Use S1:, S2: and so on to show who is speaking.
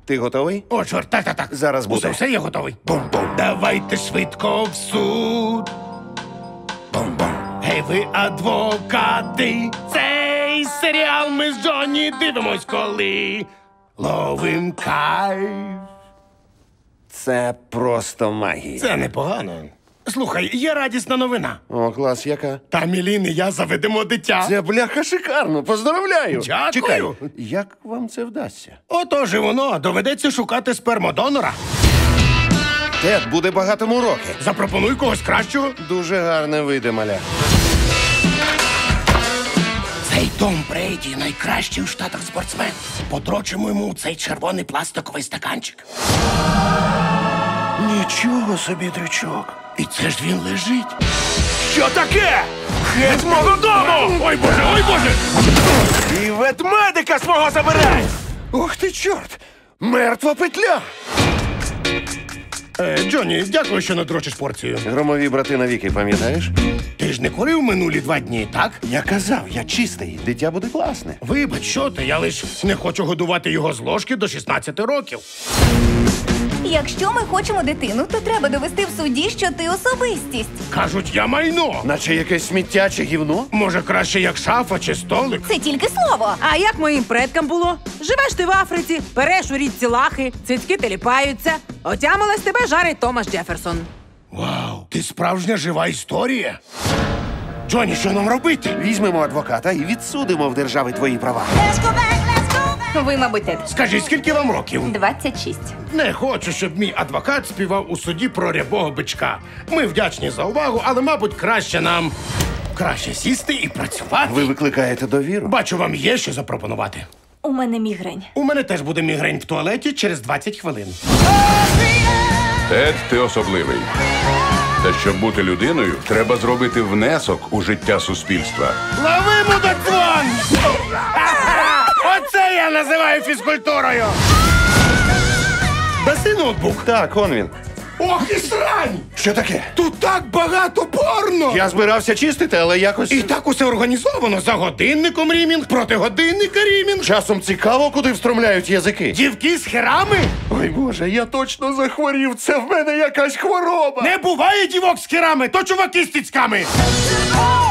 S1: Ти готовий?
S2: О, чорт, так.
S1: Зараз буде.
S2: Все, я готовий. Бум-бум. Давайте швидко в суд. Бум-бум. Гей, ви адвокати. Цей серіал ми з Джонні дивимось, коли ловим кайф.
S1: Це просто магія.
S2: Це непогано. Слухай, є радісна новина.
S1: О, клас, яка?
S2: Та Мілін і я заведемо дитя.
S1: Це, бляха, шикарно. Поздравляю.
S2: Дякую.
S1: Чекай, як вам це вдасться?
S2: Отож і воно. Доведеться шукати спермодонора.
S1: Тед буде багатому роки.
S2: Запропонуй когось кращого.
S1: Дуже гарне вийде, маля.
S2: Цей Том Брейді найкращий у Штатах спортсмен. Подрочимо йому цей червоний пластиковий стаканчик.
S1: Нічого собі, дрючок.
S2: І це ж він лежить.
S3: Що таке? Геть мого дому!
S2: Ой, Боже!
S3: І ветмедика свого забирай!
S1: Ух ти, чорт! Мертва петля!
S2: Джонні, дякую, що надрочиш порцію.
S1: Громові брати навіки, пам'ятаєш?
S2: Ти ж не курив минулі 2 дні, так?
S1: Я казав, я чистий. Дитя буде класне.
S2: Вибач, що ти, я лиш не хочу годувати його з ложки до 16 років.
S4: Якщо ми хочемо дитину, то треба довести в суді, що ти особистість.
S2: Кажуть, я майно.
S1: Наче якесь сміття чи гівно?
S2: Може, краще як шафа чи столик?
S4: Це тільки слово.
S5: А як моїм предкам було? Живеш ти в Африці, переш у річці лахи, цицьки теліпаються. Отямилась тебе жарить Томас Джеферсон.
S2: Вау, ти справжня жива історія. Джонні, що нам робити?
S1: Візьмемо адвоката і відсудимо в держави твої права.
S4: Ви, мабуть, Тед.
S2: Скажи, скільки вам років?
S4: 26.
S2: Не хочу, щоб мій адвокат співав у суді про рябого бичка. Ми вдячні за увагу, але, мабуть, краще сісти і працювати.
S1: Ви викликаєте довіру?
S2: Бачу, вам є що запропонувати.
S4: У мене мігрень.
S2: У мене теж буде мігрень в туалеті через 20 хвилин.
S6: Тед, ти особливий. Та щоб бути людиною, треба зробити внесок у життя суспільства.
S2: Лови, мудакон! Оце я називаю фізкультурою! Даси ноутбук.
S1: Так, он він.
S2: Ох і срань!
S1: Що таке?
S2: Тут так багато порно!
S1: Я збирався чистити, але якось...
S2: І так усе організовано. За годинником рімінг, проти годинника рімінг.
S1: Часом цікаво, куди встромляють язики.
S2: Дівки з херами?
S1: Ой, Боже, я точно захворів. Це в мене якась хвороба.
S2: Не буває дівок з херами, то чуваки з тіцьками.